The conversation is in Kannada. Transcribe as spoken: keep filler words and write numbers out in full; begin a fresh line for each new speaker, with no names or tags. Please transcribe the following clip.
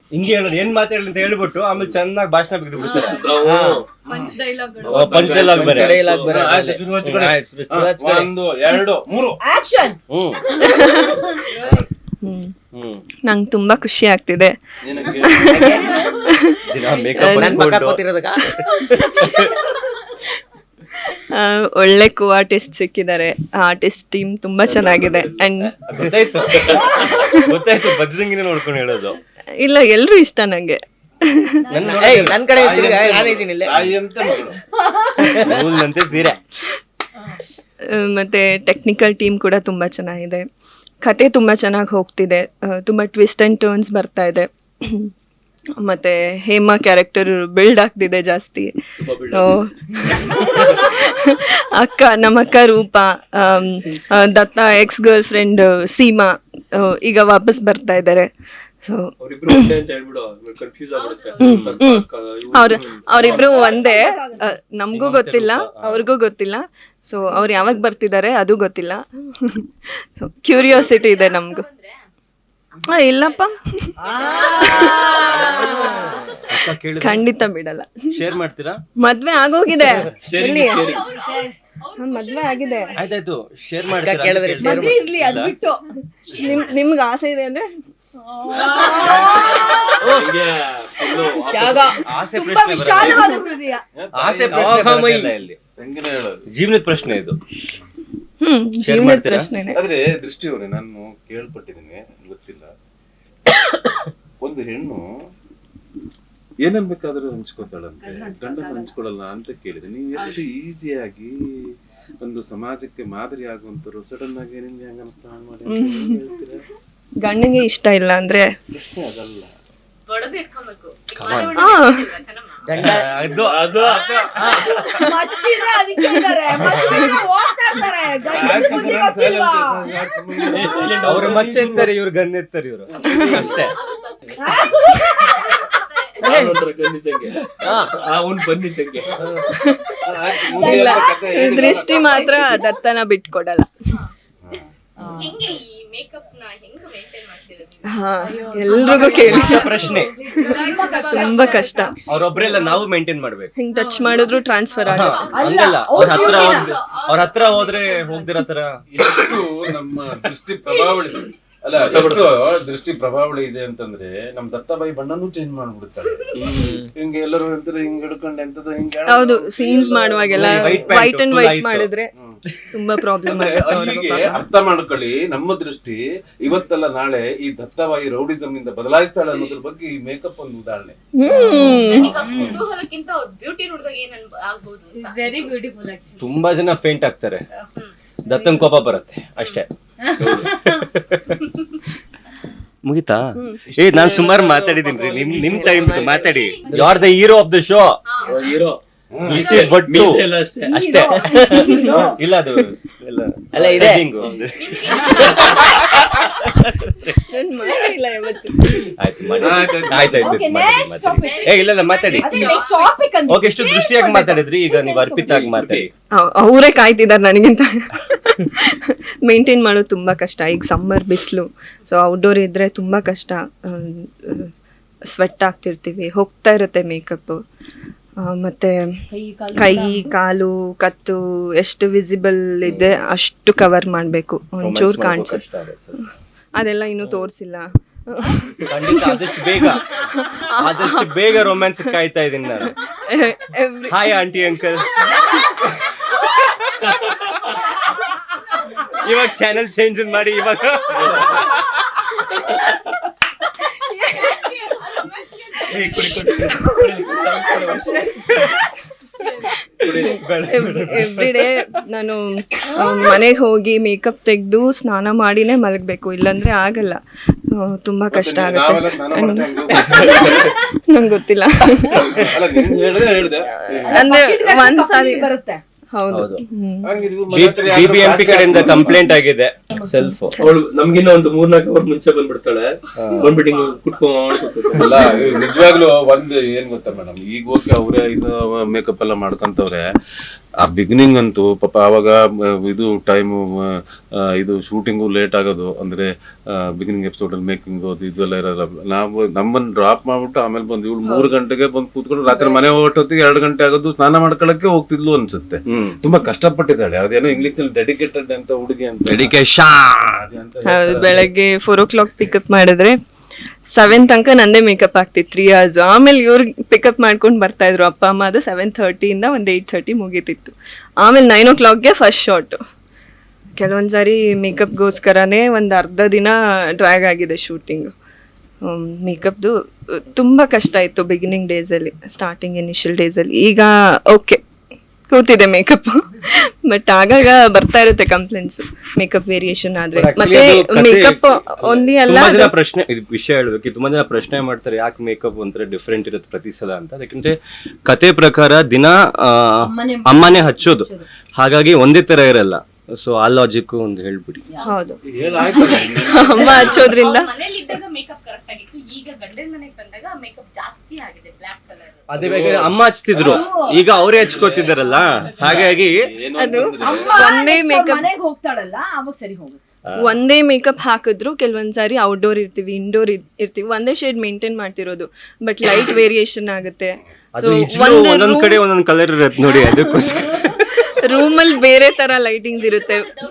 ಹಿಂಗೆ ಹೇಳೋದು ಏನ್ ಮಾತಾಡಲಿ ಅಂತ ಹೇಳ್ಬಿಟ್ಟು ಆಮೇಲೆ ಚೆನ್ನಾಗಿ ಭಾಷಣ ಬಿದ್ದು ಬಿಡ್ತಾರೆ.
ಪಂಚ್ ಡೈಲಾಗ್
ಪಂಚ್ ಡೈಲಾಗ್ ಬೇರೆ.
ಡೈಲಾಗ್ ಬೇರೆ.
ಒಂದು ಎರಡು ಮೂರು
ಆಕ್ಷನ್.
ಹ್ಮ್
ಹ್ಮ್
ಹ್ಮ್
ನಂಗೆ ತುಂಬಾ ಖುಷಿ ಆಗ್ತಿದೆ.
ದಿನ ಮೇಕಪ್
ನನ್ ಪಕ್ಕ ಕೂತಿರೋದಕ್ಕ
ಒಳ್ಳೆ ಕೋ ಆರ್ಟಿಸ್ಟ್ ಸಿಕ್ಕಿದ್ದಾರೆ. ಆರ್ಟಿಸ್ಟ್ ಟೀಮ್ ತುಂಬಾ ಚೆನ್ನಾಗಿದೆ. ಅಂಡ್
ಗೊತ್ತಾಯ್ತು ಗೊತ್ತಾಯ್ತು ಬಜರಂಗಿನ ನೋಡ್ಕೊಂಡು ಹೇಳೋದು.
ಇಲ್ಲ ಎಲ್ರು ಇಷ್ಟ ನಂಗೆ.
ನನ್ ಕಡೆ ನಾನೇ ಇದ್ದೀನಿ ಇಲ್ಲೇ.
ನೂಲ್ನಂತೆ ಸೀರೆ.
ಮತ್ತೆ ಟೆಕ್ನಿಕಲ್ ಟೀಮ್ ಕೂಡ ತುಂಬಾ ಚೆನ್ನಾಗಿದೆ. ಕತೆ ತುಂಬ ಚೆನ್ನಾಗಿ ಹೋಗ್ತಿದೆ. ತುಂಬ ಟ್ವಿಸ್ಟ್ ಆ್ಯಂಡ್ ಟರ್ನ್ಸ್ ಬರ್ತಾ ಇದೆ. ಮತ್ತು ಹೇಮಾ ಕ್ಯಾರೆಕ್ಟರ್ ಬಿಲ್ಡ್ ಆಗ್ತಿದೆ ಜಾಸ್ತಿ. ಅಕ್ಕ ನಮ್ಮ ಅಕ್ಕ Roopa, Datta ex girlfriend Seema ಈಗ ವಾಪಸ್ ಬರ್ತಾ ಇದ್ದಾರೆ. ಸೊ ಅವ್ರ ಅವರಿಬ್ರು ಒಂದೇ, ನಮಗೂ ಗೊತ್ತಿಲ್ಲ ಅವ್ರಿಗೂ ಗೊತ್ತಿಲ್ಲ. ಸೊ ಅವ್ರು ಯಾವಾಗ ಬರ್ತಿದ್ದಾರೆ ಅದು ಗೊತ್ತಿಲ್ಲ. ಸೊ ಕ್ಯೂರಿಯಾಸಿಟಿ ಇದೆ ನಮಗೂ. ಹಾ ಇಲ್ಲಪ್ಪ ಖಂಡಿತ ಬಿಡಲ್ಲ.
ಶೇರ್ ಮಾಡ್ತೀರಾ?
ಮದ್ವೆ ಆಗೋಗಿದೆ. ಮದ್ವೆ ಆಗಿದೆ.
ಆಯ್ತಾಯ್ತು ಶೇರ್ ಮಾಡ್ತೀರಾ?
ಕೇಳಿದ್ರೆ
ಮದ್ವೆ ಇರ್ಲಿ ಅದ್ ಬಿಟ್ಟು
ನಿಮ್ ನಿಮ್ಗೆ ಆಸೆ ಇದೆ ಅಂದ್ರೆ
ಆಸೆ
ತುಂಬಾ
ಪ್ರಶ್ನೆ
ವಿಶಾಲವಾದ ಹೃದಯ.
ಆಸೆ ಪ್ರಶ್ನೆ ಇಲ್ಲಿ ಜೀವನದ ಪ್ರಶ್ನೆ ಇದು.
ಹ್ಮ್ ಜೀವನದ ಪ್ರಶ್ನೆನೆ.
ಆದ್ರೆ ದೃಷ್ಟಿಯವರೇ ನಾನು ಕೇಳ್ಪಟ್ಟಿದ್ದೀನಿ, ಗೊತ್ತಿಲ್ಲ. ಒಂದು ಹೆಣ್ಣು ಏನನ್ ಬೇಕಾದ್ರೂ ಹಂಚ್ಕೋತಾಳಂತೆ, ಗಂಡನ ಹಂಚ್ಕೊಳಲ್ಲ ಅಂತ ಕೇಳಿದೆ. ನೀವು ಎಷ್ಟು ಈಸಿಯಾಗಿ ಒಂದು ಸಮಾಜಕ್ಕೆ ಮಾದರಿ ಆಗುವಂತರು ಸಡನ್ ಆಗಿ ನಿಮ್ಗೆ ಹೆಂಗ ಅನಿಸ್ತಾ ಮಾಡಿ ಹೇಳ್ತೀರಾ?
ಗಂಡನಿಗೆ ಇಷ್ಟ ಇಲ್ಲ ಅಂದ್ರೆ
ಅದಲ್ಲ,
ಮಚ್ಚಿದ್ರೆ ಅದಕ್ಕೆ ಇದ್ದಾರೆ, ಮಚ್ಚಿದ್ರೆ ಹೋಗ್ತಾ ಇರ್ತಾರೆ. ಗಂಡಸ್ರ ಬುದ್ಧಿ ಗೊತ್ತಿಲ್ವಾ?
ಅವ್ರ ಮಚ್ಚ ಎತ್ತಾರೆ, ಇವ್ರು ಗನ್ ಎತ್ತಾರೆ. ಇವ್ರು ಅಷ್ಟೇ.
ಇಲ್ಲ, ದೃಷ್ಟಿ ಮಾತ್ರ ದತ್ತನ ಬಿಟ್ಕೊಡಲ್ಲ. ಹಾ ಎಲ್ರಿಗೂ ಕೇಳಿ
ಪ್ರಶ್ನೆ
ತುಂಬಾ ಕಷ್ಟ.
ಅವ್ರೊಬ್ರೆಲ್ಲ ನಾವು ಮೇಂಟೈನ್ ಮಾಡ್ಬೇಕು.
ಹಿಂಗ್ ಟಚ್ ಮಾಡಿದ್ರು ಟ್ರಾನ್ಸ್ಫರ್ ಆಗ
ಹಂಗಲ್ಲ, ಅವ್ರ ಹತ್ರ ಹೋಗ್- ಅವ್ರ ಹತ್ರ ಹೋದ್ರೆ ಹೋಗ್ದಿರೋ ತರ.
ಎಷ್ಟು ನಮ್ಮ ದೃಷ್ಟಿ ಪ್ರಭಾವಳಿ ಅಲ್ಲ, ಎಷ್ಟು ದೃಷ್ಟಿ ಪ್ರಭಾವಳಿ ಇದೆ ಅಂತಂದ್ರೆ ನಮ್ ದತ್ತಾಬಾಯಿ ಬಣ್ಣನೂ ಚೇಂಜ್ ಮಾಡ್ಬಿಡ್ತಾರೆ. ಹಿಂಗೆ ಎಲ್ಲರೂ ಅಂತಾರೆ ಹಿಂಗ್ ಹಿಡ್ಕೊಂಡು ಎಂತದ ಹಿಂಗೆ.
ಹೌದು, ಸೀನ್ಸ್ ಮಾಡುವಾಗೆಲ್ಲ
White pant
white and
full
white
ಆಯ್ತು.
ಮಾಡಿದ್ರೆ ತುಂಬಾ ಪ್ರಾಬ್ಲಮ್
ಅಲ್ಲಿಗೆ ಅರ್ಥ ಮಾಡ್ಕೊಳ್ಳಿ. ನಮ್ಮ ದೃಷ್ಟಿ ಇವತ್ತಲ್ಲ ನಾಳೆ ಈ ದತ್ತಾಬಾಯಿ ರೌಡಿಸಮ್ ಇಂದ ಬದಲಾಯಿಸ್ತಾಳೆ ಅನ್ನೋದ್ರ ಬಗ್ಗೆ ಈ ಮೇಕಪ್ ಒಂದು ಉದಾಹರಣೆ.
ಕುತೂಹಲಕ್ಕಿಂತ ಬ್ಯೂಟಿ ನೋಡಿದಾಗ ಏನ್ ಆಗ್ಬಹುದು? Very beautiful actually.
ತುಂಬಾ ಜನ ಫೇಂಟ್ ಆಗ್ತಾರೆ, ದತ್ತನ್ ಕೋಪ ಬರುತ್ತೆ ಅಷ್ಟೇ. ಮುಗಿತಾ? ಏ ನಾನ್ ಸುಮಾರು ಮಾತಾಡಿದೀನಿ. ನಿಮ್ ನಿಮ್ ಟೈಮ್ ಮಾತಾಡಿ. You are the hero of the show.
Hero
but ಅಷ್ಟೇ. ಇಲ್ಲ ಅದು
ಅಲ್ಲ ಇದೆ.
ಮಾಡಿಲ್ಲ ಯಾವತ್ತು.
ಆಯ್ತು ಮಾಡಿ. ಆಯ್ತಾಯ್ತು ಏ ಇಲ್ಲ ಇಲ್ಲ ಮಾತಾಡಿ. ಓಕೆ, ಎಷ್ಟು ದೃಷ್ಟಿಯಾಗಿ ಮಾತಾಡಿದ್ರಿ, ಈಗ ನೀವು ಅರ್ಪಿತಾಗಿ ಮಾತಾಡಿ.
ಅವರೇ ಕಾಯ್ತಿದ್ದಾರೆ ನನಗಿಂತ. ಮೇಂಟೈನ್ ಮಾಡೋದು ತುಂಬಾ ಕಷ್ಟ. ಈಗ ಸಮ್ಮರ್ ಬಿಸಿಲು, ಸೊ ಔಟ್ಡೋರ್ ಇದ್ರೆ ತುಂಬಾ ಕಷ್ಟ. ಸ್ವೆಟ್ ಆಗ್ತಿರ್ತೀವಿ, ಹೋಗ್ತಾ ಇರುತ್ತೆ ಮೇಕಪ್. ಮತ್ತೆ ಕೈ ಕಾಲು ಕತ್ತು ಎಷ್ಟು ವಿಸಿಬಲ್ ಇದೆ ಅಷ್ಟು ಕವರ್ ಮಾಡಬೇಕು. ಒಂಚೂರು ಕಾಣಿಸುತ್ತೆ. ಅದೆಲ್ಲ ಇನ್ನೂ ತೋರಿಸಿಲ್ಲ.
ಖಂಡಿತ ಆದಷ್ಟು ಬೇಗ ಆದಷ್ಟು ಬೇಗ ರೊಮ್ಯಾನ್ಸ್ ಕಾಯ್ತಾ ಇದೀನಿ ನಾನು. Hi aunty uncle. ಇವಾಗ ಚಾನೆಲ್ ಚೇಂಜ್ ಮಾಡಿ ಇವಾಗ
ಎವ್ರಿ ಡೇ ನಾನು ಮನೆಗೆ ಹೋಗಿ ಮೇಕಪ್ ತೆಗೆದು ಸ್ನಾನ ಮಾಡಿನೇ ಮಲಗಬೇಕು, ಇಲ್ಲಾಂದ್ರೆ ಆಗಲ್ಲ. ತುಂಬಾ ಕಷ್ಟ ಆಗುತ್ತೆ. ನಂಗೆ ಗೊತ್ತಿಲ್ಲ ಅಂದ್ರೆ ಒಂದ್ಸಾರಿ
ಬರುತ್ತೆ.
ಹೌದು.
ಬಿಬಿಎಂಪಿ ಕಡೆಯಿಂದ ಕಂಪ್ಲೇಂಟ್ ಆಗಿದೆ. ಸೆಲ್ಫ್
ಅವಳು ನಮ್ಗಿನ್ನ ಒಂದು ಮೂರ್ನಾಲ್ಕು ಅವರ್ ಮುಂಚೆ ಬಂದ್ಬಿಡ್ತಾಳೆ. ಬಂದ್ಬಿಟ್ಟು
ಅಲ್ಲ ನಿಜವಾಗ್ಲೂ ಒಂದ್ ಏನ್ ಗೊತ್ತಾ ಮೇಡಮ್, ಈಗ ಓಕೆ ಅವ್ರೆ ಇದು ಮೇಕಪ್ ಎಲ್ಲ ಮಾಡ್ಕೊಂತವ್ರೆ. ಆ ಬಿಗಿನಿಂಗ್ ಅಂತೂ ಪಾಪ ಆವಾಗ ಮ, ಇದು ಟೈಮು ಇದು ಶೂಟಿಂಗು ಲೇಟ್ ಆಗೋದು ಅಂದ್ರೆ ಬಿಗಿನಿಂಗ್ ಎಪಿಸೋಡ್ ಅಲ್ಲಿ ಮೇಕಿಂಗ್ ಅದು ಇದೆಲ್ಲ ಇರೋಲ್ಲ. ನಾವು ನಮ್ಮನ್ನ ಡ್ರಾಪ್ ಮಾಡ್ಬಿಟ್ಟು ಆಮೇಲೆ ಬಂದು ಇವಳು ಮೂರು ಗಂಟೆಗೆ ಬಂದು ಕೂತ್ಕೊಂಡು ರಾತ್ರಿ ಮನೆ ಹೊರಟೊತ್ತಿಗೆ ಎರಡು ಗಂಟೆ ಆಗೋದು, ಸ್ನಾನ ಮಾಡ್ಕೊಳಕ್ಕೆ ಹೋಗ್ತಿದ್ಲು ಅನ್ಸುತ್ತೆ. ತುಂಬಾ ಕಷ್ಟಪಟ್ಟಿದ್ದಾಳೆ. ಅದೇನೋ ಇಂಗ್ಲಿಷ್ ನಲ್ಲಿ ಡೆಡಿಕೇಟೆಡ್ ಅಂತ ಹುಡುಗಿ ಅಂತ.
ಡೆಡಿಕೇಶನ್.
ಹೌದು, ಬೆಳಗ್ಗೆ ಫೋರ್ ಓ ಕ್ಲಾಕ್ ಪಿಕಪ್ ಮಾಡಿದ್ರೆ ಸೆವೆನ್ ತನಕ ನಂದೇ ಮೇಕಪ್ ಆಗ್ತಿತ್ತು ತ್ರೀ ಅವರ್ಸ್. ಆಮೇಲೆ ಇವ್ರು ಪಿಕಪ್ ಮಾಡ್ಕೊಂಡು ಬರ್ತಾ ಇದ್ರು ಅಪ್ಪ ಅಮ್ಮ. ಅದು ಸೆವೆನ್ ಥರ್ಟಿಯಿಂದ ಒಂದು ಏಯ್ಟ್ ಥರ್ಟಿ ಮುಗೀತಿತ್ತು. ಆಮೇಲೆ ನೈನ್ ಓ ಕ್ಲಾಕ್ಗೆ ಫಸ್ಟ್ ಶಾಟು. ಕೆಲವೊಂದು ಸಾರಿ ಮೇಕಪ್ಗೋಸ್ಕರನೇ ಒಂದು ಅರ್ಧ ದಿನ ಡ್ರ್ಯಾಗ್ ಆಗಿದೆ ಶೂಟಿಂಗು. ಮೇಕಪ್ದು ತುಂಬ ಕಷ್ಟ ಇತ್ತು ಬಿಗಿನಿಂಗ್ ಡೇಸಲ್ಲಿ, ಸ್ಟಾರ್ಟಿಂಗ್ ಇನಿಷಿಯಲ್ ಡೇಸಲ್ಲಿ. ಈಗ ಓಕೆ ಕೂತಿದೆ ಮೇಕಪ್, ಬಟ್ ಆಗಾಗ ಬರ್ತಾ ಇರುತ್ತೆ ಕಂಪ್ಲೇಂಟ್ಸ್ ಮೇಕಪ್ ವೇರಿಯೇಷನ್ ಆದ್ರೆ. ಮತ್ತೆ ಮೇಕಪ್ ಒಂದೇ ಅಲ್ಲ,
ತುಂಬಾ ಜನ ಪ್ರಶ್ನೆ, ಇದು ವಿಷಯ ಹೇಳ್ಬೇಕು, ತುಂಬಾ ಜನ ಪ್ರಶ್ನೆ ಮಾಡ್ತಾರೆ ಯಾಕೆ ಮೇಕಪ್ ಒಂಥರ ಡಿಫ್ರೆಂಟ್ ಇರುತ್ತೆ ಪ್ರತಿ ಸಲ ಅಂತ. ಯಾಕಂದ್ರೆ ಕತೆ ಪ್ರಕಾರ ದಿನ ಆ, ಅಮ್ಮನೇ ಹಚ್ಚೋದು, ಹಾಗಾಗಿ ಒಂದೇ ತರ ಇರಲ್ಲ. ಸೊ ಆ ಲಾಜಿಕ್ ಒಂದು ಹೇಳ್ಬಿಡಿ.
ಹೌದು, ಅಮ್ಮ ಹಚ್ಚೋದ್ರಿಂದ.
ಮನೇಲಿ ಇದ್ದಾಗ ಮೇಕಪ್ ಕರೆಕ್ಟ್ ಆಗಿತ್ತು, ಈಗ ಗಂಡನ ಮನೆಗೆ ಬಂದಾಗ ಮೇಕಪ್ ಜಾಸ್ತಿ ಆಗಿದೆ, ಬ್ಲಾಕ್ ಕಲರ್.
ಅದೇ ಬೇಕಾದ್ರೆ ಅಮ್ಮ ಹಚ್ತಿದ್ರು, ಈಗ ಅವರೇ ಹಚ್ಕೋತಿದಾರಲ್ಲ, ಹಾಗಾಗಿ
ಅದು
ಅಮ್ಮ
ಒಂದೇ
next ಅವ್ರ್
ಮೇಕಪ್
ಮನೆಗ್ ಹೋಗ್ತಾಳಲ್ಲ ಅವಾಗ ಸರಿ ಹೋಗುತ್ತೆ.
ಒಂದೇ ಮೇಕಪ್ ಹಾಕಿದ್ರು ಕೆಲವೊಂದ್ ಸಾರಿ ಔಟ್ಡೋರ್ ಇರ್ತೀವಿ, ಇಂಡೋರ್ ಇರ್ತೀವಿ, ಒಂದೇ ಶೇಡ್ ಮೇಂಟೈನ್ ಮಾಡ್ತಿರೋದು, ಬಟ್ ಲೈಟ್ ವೇರಿಯೇಷನ್ ಆಗುತ್ತೆ.
ಅದು ಒಂದೊಂದ್ ಕಡೆ ಒಂದೊಂದ್ ಕಲರ್ ಇರತ್ತೆ ನೋಡಿ, ಅದಕ್ಕೋಸ್ಕರ
ರೂಮಲ್ಲಿ ಬೇರೆ ತರ ಲೈಟಿಂಗ್ಸ್ ಇರುತ್ತೆ.